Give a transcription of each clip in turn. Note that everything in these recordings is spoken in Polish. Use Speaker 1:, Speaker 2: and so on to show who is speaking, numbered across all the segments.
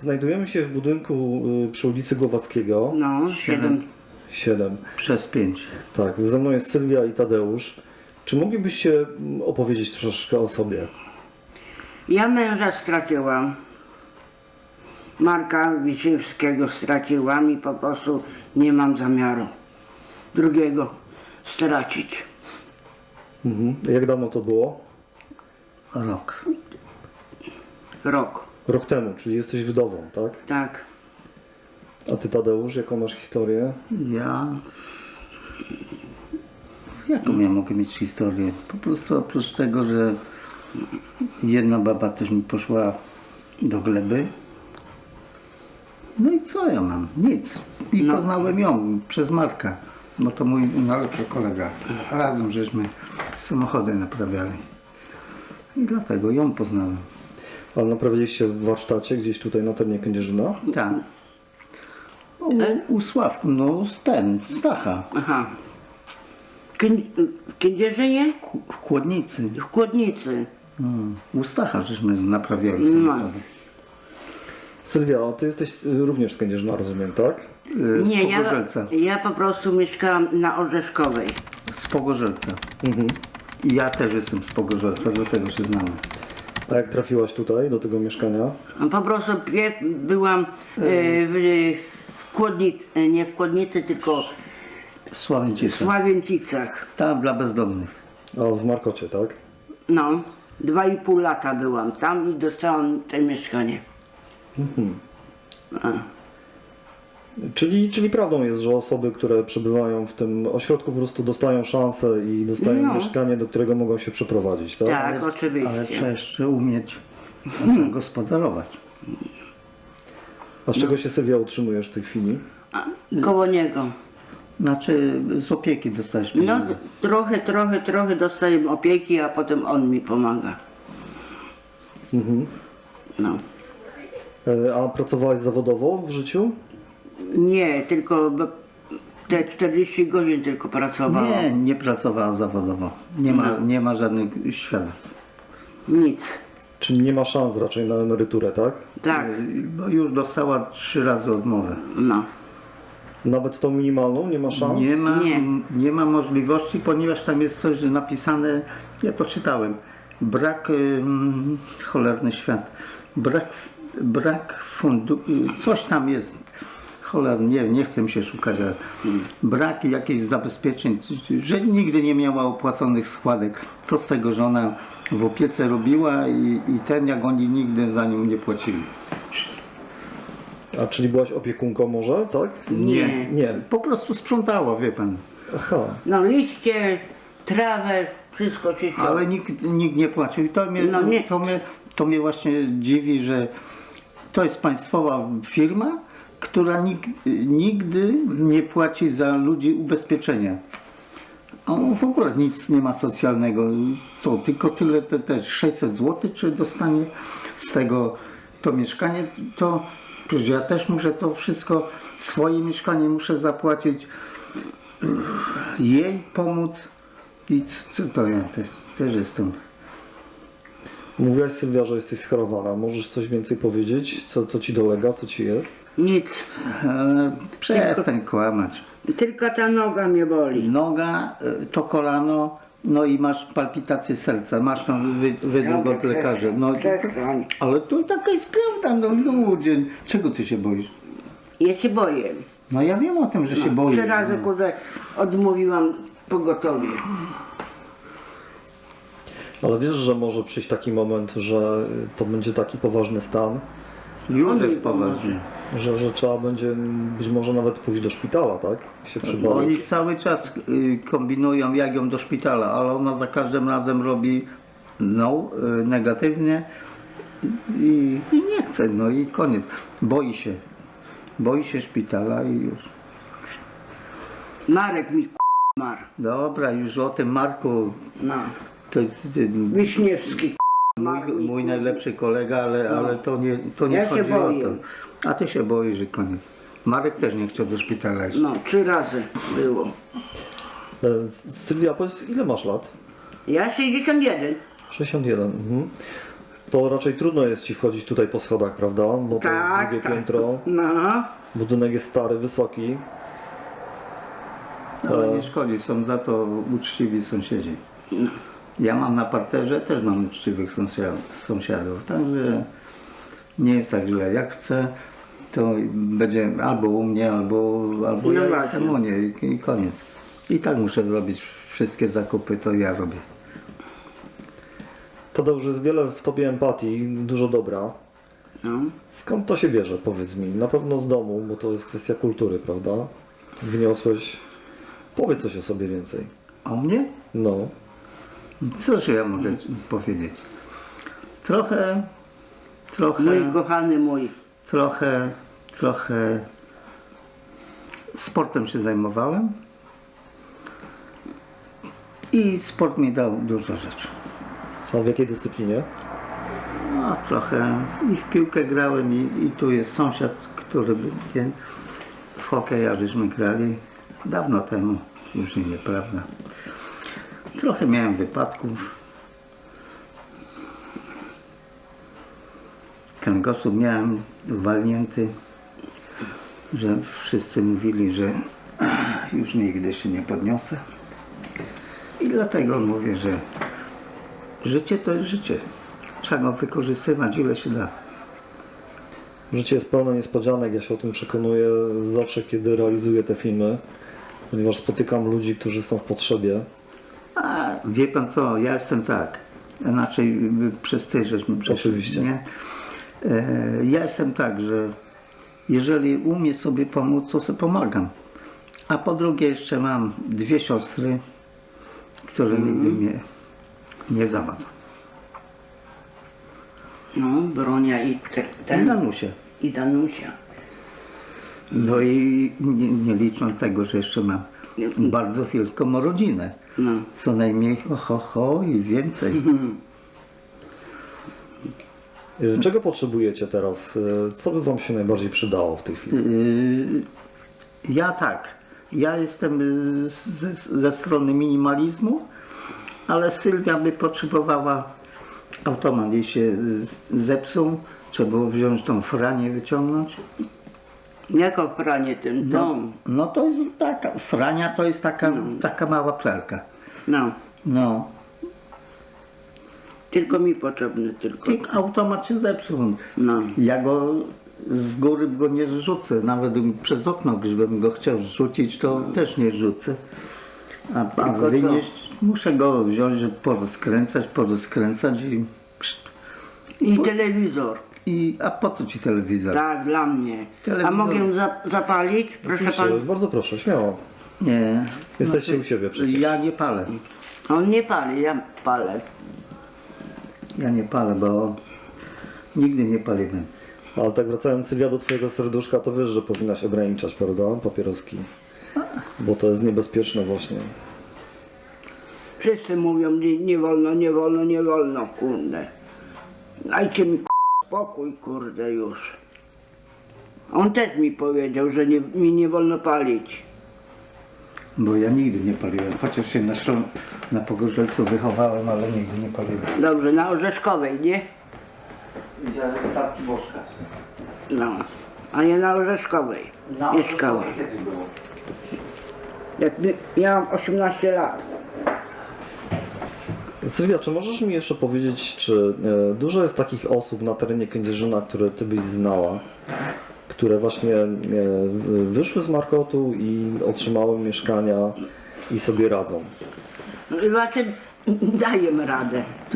Speaker 1: Znajdujemy się w budynku przy ulicy Głowackiego.
Speaker 2: No,
Speaker 1: 7.
Speaker 3: Przez 5.
Speaker 1: Tak, ze mną jest Sylwia i Tadeusz. Czy moglibyście opowiedzieć troszeczkę o sobie?
Speaker 2: Ja męża straciłam. Marka Wiśniewskiego straciłam i po prostu nie mam zamiaru drugiego stracić.
Speaker 1: Jak dawno to było?
Speaker 3: Rok.
Speaker 2: Rok,
Speaker 1: Rok temu, czyli jesteś wdową, tak?
Speaker 2: tak.
Speaker 1: A ty, Tadeusz, jaką masz historię?
Speaker 3: Ja... Jaką ja mogę mieć historię? Po prostu oprócz tego, że jedna baba też mi poszła do gleby. No i co ja mam? Nic. I poznałem ją przez Marka, bo to mój najlepszy kolega. Razem żeśmy samochody naprawiali. I dlatego ją poznałem.
Speaker 1: A naprawiliście w warsztacie gdzieś tutaj na terenie Kędzierzyna?
Speaker 3: Tak. U Sławku, no Stacha.
Speaker 2: Aha. W Kędzierzynie?
Speaker 3: W Kłodnicy.
Speaker 2: W Kłodnicy.
Speaker 3: U Stacha żeśmy naprawiali samochody.
Speaker 1: Sylwia, a ty jesteś również z Kędzierzyna, rozumiem, tak?
Speaker 3: Z
Speaker 2: Nie,
Speaker 3: Pogorzelca.
Speaker 2: ja po prostu mieszkałam na Orzeszkowej.
Speaker 3: Z Pogorzelca. I ja też jestem z Pogorzelca, dlatego się znamy.
Speaker 1: A jak trafiłaś tutaj, do tego mieszkania?
Speaker 2: Po prostu byłam w Kłodnicy, nie w Kłodnicy, tylko
Speaker 3: W
Speaker 2: w
Speaker 3: Sławęcisach.
Speaker 2: Sławięcicach.
Speaker 3: Tam dla bezdomnych.
Speaker 1: A w Markocie, tak?
Speaker 2: No, 2,5 lata byłam tam i dostałam to mieszkanie.
Speaker 1: Czyli prawdą jest, że osoby, które przebywają w tym ośrodku po prostu dostają szansę i dostają
Speaker 2: No.
Speaker 1: mieszkanie, do którego mogą się przeprowadzić, tak?
Speaker 2: Tak, oczywiście.
Speaker 3: Ale trzeba jeszcze umieć zagospodarować.
Speaker 1: A z czego się, Sylwia, utrzymujesz w tej chwili?
Speaker 2: Koło niego.
Speaker 3: Znaczy z opieki dostajesz
Speaker 2: No
Speaker 3: pieniądze.
Speaker 2: trochę dostaję opieki, a potem on mi pomaga. No.
Speaker 1: A pracowałaś zawodowo w życiu?
Speaker 2: Nie, tylko te 40 godzin tylko pracowałam.
Speaker 3: Nie pracowała zawodowo. Nie ma żadnych świadectw.
Speaker 2: Nic.
Speaker 1: Czyli nie ma szans raczej na emeryturę, tak?
Speaker 2: Tak,
Speaker 3: Bo już dostała 3 razy odmowę.
Speaker 2: no.
Speaker 1: Nawet tą minimalną nie ma szans?
Speaker 3: Nie ma możliwości, ponieważ tam jest coś napisane, ja to czytałem, brak, cholerny świat, brak fundu, coś tam jest, cholernie, nie chcę mi się szukać, ale brak jakichś zabezpieczeń, że nigdy nie miała opłaconych składek, co z tego, że ona w opiece robiła i jak oni nigdy za nią nie płacili.
Speaker 1: A czyli byłaś opiekunką może, tak? Nie.
Speaker 3: Po prostu sprzątała, wie pan.
Speaker 1: Aha.
Speaker 2: No liście, trawę, wszystko czyściło.
Speaker 3: Ale nikt nie płacił i
Speaker 2: No nie.
Speaker 3: to mnie właśnie dziwi, że to jest państwowa firma, która nigdy nie płaci za ludzi ubezpieczenia. A w ogóle nic nie ma socjalnego. Co, tylko tyle, te 600 zł, czy dostanie z tego to mieszkanie, to przecież ja też muszę to wszystko, swoje mieszkanie muszę zapłacić, jej pomóc. I co to ja też jestem.
Speaker 1: Mówiłaś, Sylwia, że jesteś schorowana. Możesz coś więcej powiedzieć? Co ci dolega? Co ci jest?
Speaker 2: Nic.
Speaker 3: Przestań kłamać.
Speaker 2: Tylko ta noga mnie boli.
Speaker 3: Noga, to kolano, no i masz palpitację serca, masz tam wydruk od lekarza. No,
Speaker 2: Przestań.
Speaker 3: ale to taka jest prawda, no ludzie. Czego ty się boisz?
Speaker 2: Ja się boję.
Speaker 3: No ja wiem o tym, że się boisz.
Speaker 2: 3 razy kurde odmówiłam pogotowie.
Speaker 1: Ale wiesz, że może przyjść taki moment, że to będzie taki poważny stan,
Speaker 3: Już jest poważnie.
Speaker 1: że trzeba będzie być może nawet pójść do szpitala, tak? Się
Speaker 3: Oni
Speaker 1: przebadać.
Speaker 3: cały czas kombinują, jak ją do szpitala, ale ona za każdym razem robi negatywnie i nie chce, no i koniec. Boi się szpitala i już.
Speaker 2: Marek mi marł.
Speaker 3: Dobra, już o tym Marku,
Speaker 2: No.
Speaker 3: to jest
Speaker 2: Wiśniewski
Speaker 3: mój najlepszy kolega, ale to nie
Speaker 2: Ja się
Speaker 3: chodzi o
Speaker 2: boję.
Speaker 3: to. A ty się boisz, że koniec. Marek też nie chciał do szpitala iść.
Speaker 2: No, 3 razy było.
Speaker 1: Sylwia, powiedz, ile masz lat?
Speaker 2: Ja 61.
Speaker 1: 61. to raczej trudno jest ci wchodzić tutaj po schodach, prawda? Bo to jest
Speaker 2: Tak,
Speaker 1: drugie
Speaker 2: tak.
Speaker 1: piętro,
Speaker 2: No,
Speaker 1: budynek jest stary, wysoki.
Speaker 3: Ale nie szkodzi, są za to uczciwi sąsiedzi. Ja mam na parterze, też mam uczciwych sąsiadów, także nie jest tak źle. Jak chcę, to będzie albo u mnie, albo
Speaker 2: No
Speaker 3: ja
Speaker 2: właśnie.
Speaker 3: jestem u niej i koniec. I tak muszę robić wszystkie zakupy, to ja robię.
Speaker 1: Tadeusz, jest wiele w tobie empatii, dużo dobra.
Speaker 2: no.
Speaker 1: Skąd to się bierze, powiedz mi? Na pewno z domu, bo to jest kwestia kultury, prawda? Wniosłeś... Powiedz coś o sobie więcej.
Speaker 3: O mnie?
Speaker 1: No.
Speaker 3: Cóż ja mogę powiedzieć? Trochę
Speaker 2: Mój kochany mój.
Speaker 3: trochę sportem się zajmowałem i sport mi dał dużo rzeczy.
Speaker 1: A w jakiej dyscyplinie?
Speaker 3: No, trochę i w piłkę grałem i tu jest sąsiad, który w hokeja żeśmy grali dawno temu, już nie, nieprawda. Trochę miałem wypadków. Kręgosłup miałem walnięty, że wszyscy mówili, że już nigdy się nie podniosę. I dlatego mówię, że życie to jest życie. Trzeba go wykorzystywać ile się da.
Speaker 1: Życie jest pełne niespodzianek, ja się o tym przekonuję zawsze, kiedy realizuję te filmy, ponieważ spotykam ludzi, którzy są w potrzebie.
Speaker 3: A wie pan co, ja jestem tak. Inaczej przez ty żeśmy przeszli,
Speaker 1: Oczywiście.
Speaker 3: nie? Ja jestem tak, że jeżeli umiem sobie pomóc, to sobie pomagam. A po drugie jeszcze mam 2 siostry, które nigdy mnie nie zawodzą.
Speaker 2: No, Bronia i
Speaker 3: I
Speaker 2: ten.
Speaker 3: Danusie.
Speaker 2: I Danusia.
Speaker 3: No i nie licząc tego, że jeszcze mam bardzo wielką rodzinę.
Speaker 2: No.
Speaker 3: Co najmniej i więcej.
Speaker 1: Czego potrzebujecie teraz? Co by wam się najbardziej przydało w tej chwili?
Speaker 3: Ja tak. Ja jestem ze strony minimalizmu, ale Sylwia by potrzebowała automat. Jej się zepsuł, trzeba było wziąć tą franię, wyciągnąć.
Speaker 2: Jako pranie ten dom.
Speaker 3: No to jest taka, frania to jest taka mała pralka.
Speaker 2: No.
Speaker 3: No,
Speaker 2: Tylko mi potrzebny, tylko.
Speaker 3: automat się zepsuł.
Speaker 2: No.
Speaker 3: Ja go z góry go nie zrzucę, nawet przez okno, gdybym go chciał zrzucić, to też nie rzucę. A
Speaker 2: Tylko
Speaker 3: wynieść, muszę go wziąć, żeby porozkręcać
Speaker 2: I telewizor.
Speaker 3: a po co ci telewizor?
Speaker 2: Tak, dla mnie.
Speaker 3: Telewizor.
Speaker 2: A mogę zapalić? Proszę
Speaker 1: Oczywiście,
Speaker 2: pan.
Speaker 1: bardzo proszę, śmiało.
Speaker 3: Nie.
Speaker 1: Jesteście u siebie przecież.
Speaker 3: Ja nie palę.
Speaker 2: On nie pali, ja palę.
Speaker 3: Ja nie palę, bo nigdy nie paliłem.
Speaker 1: Ale tak wracając, Sylwia, do twojego serduszka, to wiesz, że powinnaś ograniczać, prawda? Papieroski. Bo to jest niebezpieczne właśnie.
Speaker 2: Wszyscy mówią, nie wolno, nie wolno, nie wolno, kurde. Dajcie mi spokój, kurde, już. On też mi powiedział, że mi nie wolno palić.
Speaker 3: Bo ja nigdy nie paliłem, chociaż się na Pogorzelcu wychowałem, ale nigdy nie paliłem.
Speaker 2: Dobrze, na Orzeszkowej, nie?
Speaker 3: Widziałem statki Bożka.
Speaker 2: No. A ja na Orzeszkowej mieszkałem.
Speaker 3: Kiedy było?
Speaker 2: Jak miałam 18 lat.
Speaker 1: Sylwia, czy możesz mi jeszcze powiedzieć, czy dużo jest takich osób na terenie Kędzierzyna, które ty byś znała, które właśnie wyszły z Markotu i otrzymały mieszkania i sobie radzą?
Speaker 2: Znaczy, daję radę tu.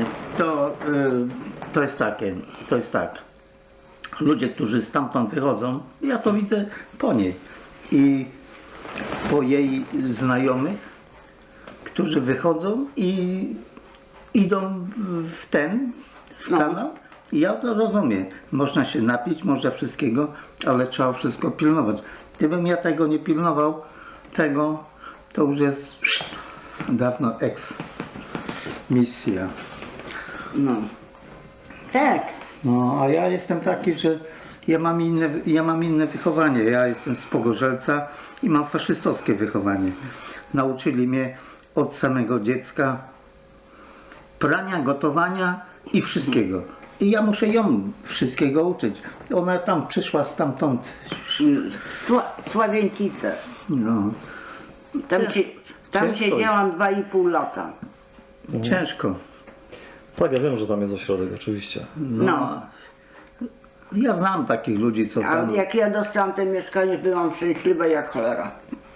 Speaker 3: To jest tak. Ludzie, którzy stamtąd wychodzą, ja to widzę po niej i po jej znajomych, którzy wychodzą i idą w kanał. I ja to rozumiem. Można się napić, można wszystkiego, ale trzeba wszystko pilnować. Gdybym ja tego nie pilnował, to już jest dawno misja.
Speaker 2: No. Tak.
Speaker 3: No, a ja jestem taki, że ja mam inne wychowanie. Ja jestem z Pogorzelca i mam faszystowskie wychowanie. Nauczyli mnie od samego dziecka prania, gotowania i wszystkiego. I ja muszę ją wszystkiego uczyć. Ona tam przyszła stamtąd.
Speaker 2: Sławięcice.
Speaker 3: No,
Speaker 2: Tam
Speaker 3: ciężko
Speaker 2: siedziałam 2,5 lata.
Speaker 3: ciężko.
Speaker 1: Tak, ja wiem, że tam jest ośrodek, oczywiście.
Speaker 2: No.
Speaker 3: Ja znam takich ludzi, co
Speaker 2: A
Speaker 3: tam...
Speaker 2: jak ja dostałam to mieszkanie, byłam szczęśliwa jak cholera.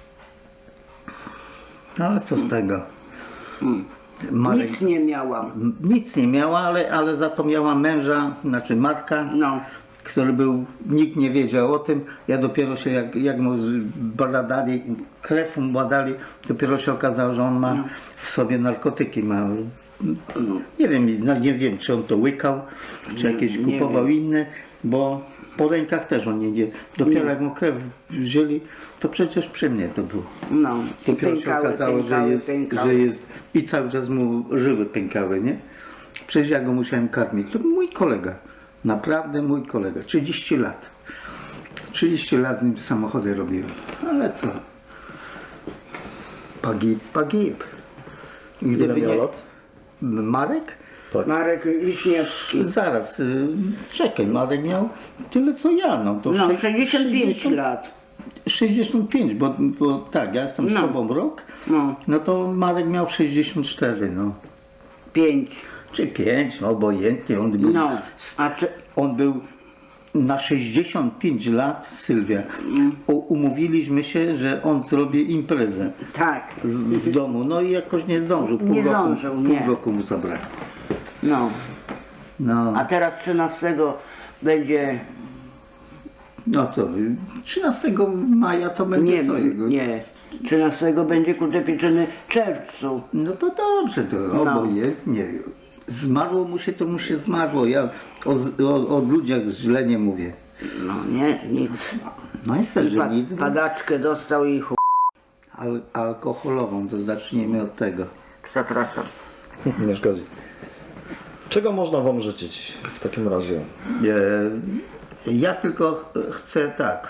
Speaker 3: No, ale co z tego? Marek,
Speaker 2: Nic nie miałam.
Speaker 3: nic nie miała, ale za to miała męża, znaczy Marka,
Speaker 2: No.
Speaker 3: który był, nikt nie wiedział o tym. Ja dopiero się, jak mu badali, krew mu badali, dopiero się okazało, że on ma w sobie narkotyki. Nie wiem, czy on to łykał, czy jakieś
Speaker 2: nie
Speaker 3: kupował inne, bo po rękach też on nie. Dopiero jak mu krew wzięli, to przecież przy mnie to było.
Speaker 2: No.
Speaker 3: Dopiero się okazało, że jest i cały czas mu żyły pękały, nie? Przecież ja go musiałem karmić. To był mój kolega. Naprawdę mój kolega. 30 lat. 30 lat z nim samochody robiłem. Ale co? Pagib.
Speaker 1: Ile miał lat?
Speaker 3: Marek?
Speaker 1: Tak.
Speaker 2: Marek Wiśniewski.
Speaker 3: Zaraz, czekaj, Marek miał tyle co ja. No, to
Speaker 2: No,
Speaker 3: 65
Speaker 2: 65 lat.
Speaker 3: 65, bo tak, ja jestem z
Speaker 2: No.
Speaker 3: tobą rok,
Speaker 2: No.
Speaker 3: no to Marek miał 64, no.
Speaker 2: 5.
Speaker 3: Czy 5, no obojętnie, on był,
Speaker 2: No. A ty,
Speaker 3: on był na 65 lat, Sylwia. Umówiliśmy się, że on zrobi imprezę
Speaker 2: tak.
Speaker 3: w domu, no i jakoś nie zdążył,
Speaker 2: Nie zdążył, nie.
Speaker 3: pół roku mu zabrakło.
Speaker 2: No.
Speaker 3: No,
Speaker 2: A teraz 13 będzie.
Speaker 3: no co, 13 maja to będzie
Speaker 2: Nie,
Speaker 3: co jego?
Speaker 2: nie. 13 będzie kurde pieczony w czerwcu.
Speaker 3: No to dobrze, to obojętnie. Zmarło mu się, to mu się zmarło. Ja o ludziach źle nie mówię.
Speaker 2: No nie, nic.
Speaker 3: No jest też, że nic.
Speaker 2: Padaczkę dostał i
Speaker 3: Alkoholową, to zacznijmy od tego.
Speaker 2: Przepraszam.
Speaker 1: Nie szkodzi. Czego można wam życzyć w takim razie?
Speaker 3: Ja tylko chcę tak.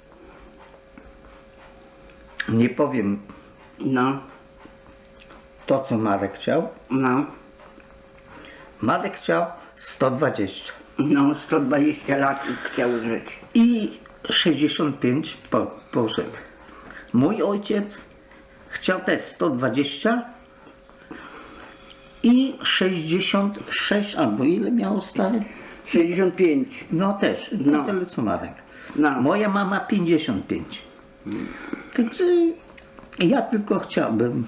Speaker 3: Nie powiem
Speaker 2: No,
Speaker 3: to, co Marek chciał.
Speaker 2: no.
Speaker 3: Marek chciał 120
Speaker 2: No, 120 lat chciał żyć.
Speaker 3: i 65 poszedł. Mój ojciec chciał też 120 i 66, albo ile miał stary?
Speaker 2: 65.
Speaker 3: No też, no tyle co Marek.
Speaker 2: No.
Speaker 3: Moja mama 55. Także ja tylko chciałbym,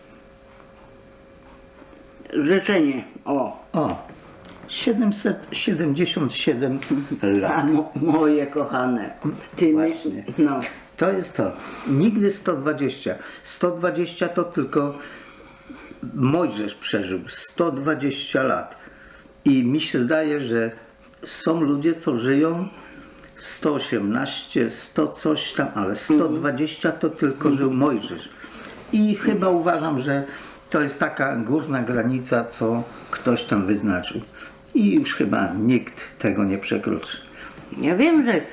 Speaker 2: Życzenie. O.
Speaker 3: 777
Speaker 2: A
Speaker 3: lat.
Speaker 2: moje kochane. Ty
Speaker 3: Właśnie.
Speaker 2: No.
Speaker 3: To jest to. Nigdy 120. 120 to tylko Mojżesz przeżył. 120 lat. I mi się zdaje, że są ludzie, co żyją 118, 100 coś tam, ale 120 to tylko żył Mojżesz. I chyba uważam, że to jest taka górna granica, co ktoś tam wyznaczył. I już chyba nikt tego nie przekroczy.
Speaker 2: Ja wiem, że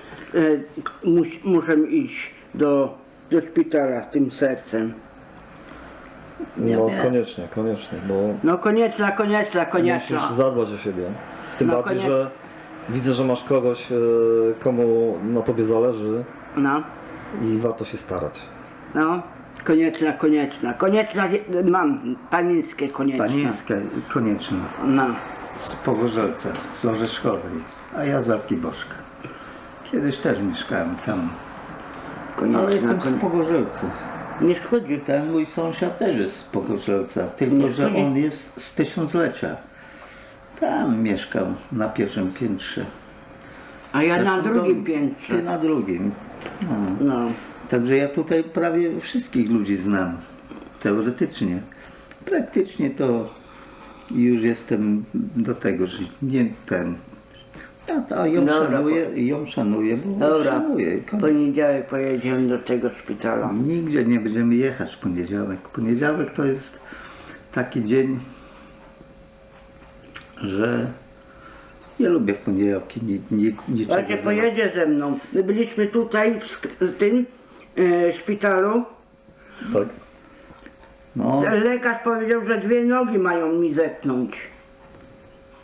Speaker 2: muszę iść do szpitala tym sercem.
Speaker 1: No
Speaker 3: wiem.
Speaker 1: koniecznie, bo
Speaker 2: No konieczna.
Speaker 1: musisz zadbać o siebie. Tym
Speaker 2: No,
Speaker 1: bardziej, że widzę, że masz kogoś, komu na tobie zależy
Speaker 2: No,
Speaker 1: i warto się starać.
Speaker 2: no. Konieczna. Mam panieńskie konieczne.
Speaker 3: Panieńskie konieczne.
Speaker 2: No.
Speaker 3: Z Pogorzelca, z Orzeszkowej, a ja z Arkiboszka. Kiedyś też mieszkałem tam, ale jestem z Pogorzelca.
Speaker 2: Nie szkodzi.
Speaker 3: Ten mój sąsiad też jest z Pogorzelca, tylko
Speaker 2: Nie
Speaker 3: że
Speaker 2: szkodzi.
Speaker 3: on jest z 1000-lecia. Tam mieszkał na pierwszym piętrze.
Speaker 2: A ja na
Speaker 3: Zresztą
Speaker 2: drugim
Speaker 3: Ty
Speaker 2: piętrze.
Speaker 3: na drugim. No.
Speaker 2: No.
Speaker 3: Także ja tutaj prawie wszystkich ludzi znam, teoretycznie. Praktycznie to już jestem do tego, że nie ten. A ją
Speaker 2: Dobra,
Speaker 3: szanuję, bo
Speaker 2: Dobra.
Speaker 3: szanuję.
Speaker 2: W poniedziałek pojedziemy do tego szpitala.
Speaker 3: Nigdzie nie będziemy jechać w poniedziałek. Poniedziałek to jest taki dzień, że nie lubię w poniedziałki niczego.
Speaker 2: Słuchajcie, pojedzie ze mną. My byliśmy tutaj w tym szpitalu.
Speaker 1: Tak?
Speaker 3: No,
Speaker 2: Lekarz powiedział, że 2 nogi mają mi zetnąć.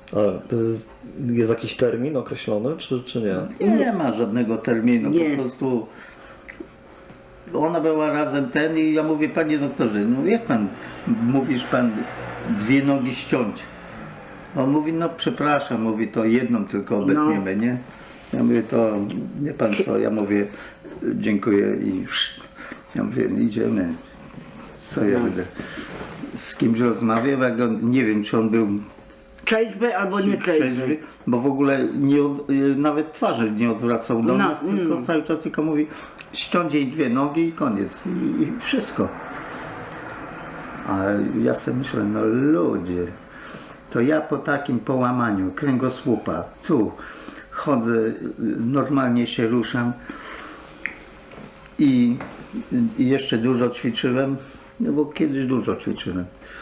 Speaker 1: Ale to jest jakiś termin określony, czy nie?
Speaker 3: Nie ma żadnego terminu,
Speaker 2: Nie.
Speaker 3: po prostu ona była razem i ja mówię, panie doktorze, no jak pan, mówisz pan 2 nogi ściąć. On mówi, no przepraszam, mówi, to jedną tylko obetniemy, nie? Ja mówię, to nie pan co, ja mówię, dziękuję i już. Ja mówię, idziemy. Co ja będę z kimś rozmawiał, jak on, nie wiem, czy on był
Speaker 2: Trzeźwy albo nie trzeźwy.
Speaker 3: bo w ogóle nawet twarzy nie odwracał do nas, tylko cały czas tylko mówi, ściąć jej 2 nogi i koniec. I wszystko. A ja sobie myślę, no ludzie, to ja po takim połamaniu kręgosłupa, tu chodzę, normalnie się ruszam i jeszcze dużo ćwiczyłem, no bo kiedyś dużo ćwiczyłem.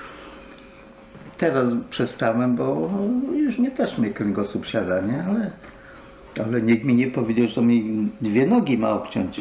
Speaker 3: Teraz przestałem, bo już mnie kręgosłup siada, nie? Ale nikt mi nie powiedział, że mi 2 nogi ma obciąć.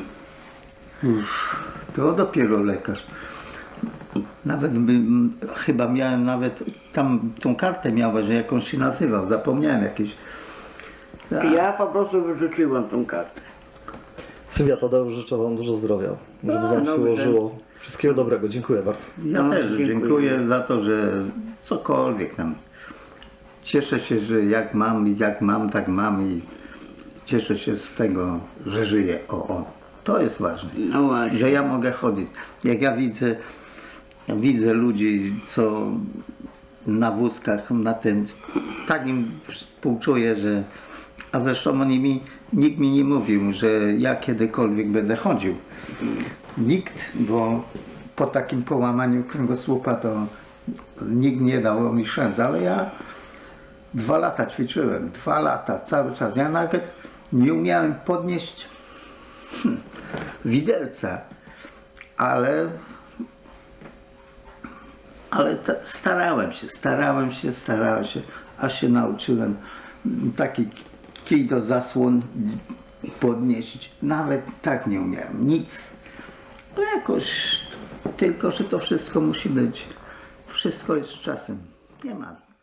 Speaker 3: To dopiero lekarz. Nawet chyba miałem tam tą kartę miała, że jakąś się nazywał, zapomniałem jakieś.
Speaker 2: Ja po prostu wyrzuciłam tą kartę.
Speaker 1: Sylwia, Tadeusz, życzę Wam dużo zdrowia, żeby Wam się
Speaker 2: dobrze.
Speaker 1: ułożyło. Wszystkiego dobrego, dziękuję bardzo.
Speaker 3: Ja
Speaker 2: No,
Speaker 3: też
Speaker 2: dziękuję.
Speaker 3: dziękuję za to, że cokolwiek tam. Cieszę się, że jak mam, tak mam i cieszę się z tego, że żyję. To jest ważne.
Speaker 2: No właśnie.
Speaker 3: Że ja mogę chodzić. Jak ja widzę ludzi, co na wózkach, tak im współczuję, że... A zresztą nikt mi nie mówił, że ja kiedykolwiek będę chodził. Nikt, bo po takim połamaniu kręgosłupa to nikt nie dał mi szans, ale ja 2 lata ćwiczyłem, 2 lata, cały czas. Ja nawet nie umiałem podnieść widelca, ale starałem się, aż się nauczyłem taki kij do zasłon podnieść. Nawet tak nie umiałem, nic. No jakoś, tylko że to wszystko musi być, wszystko jest z czasem, nie ma.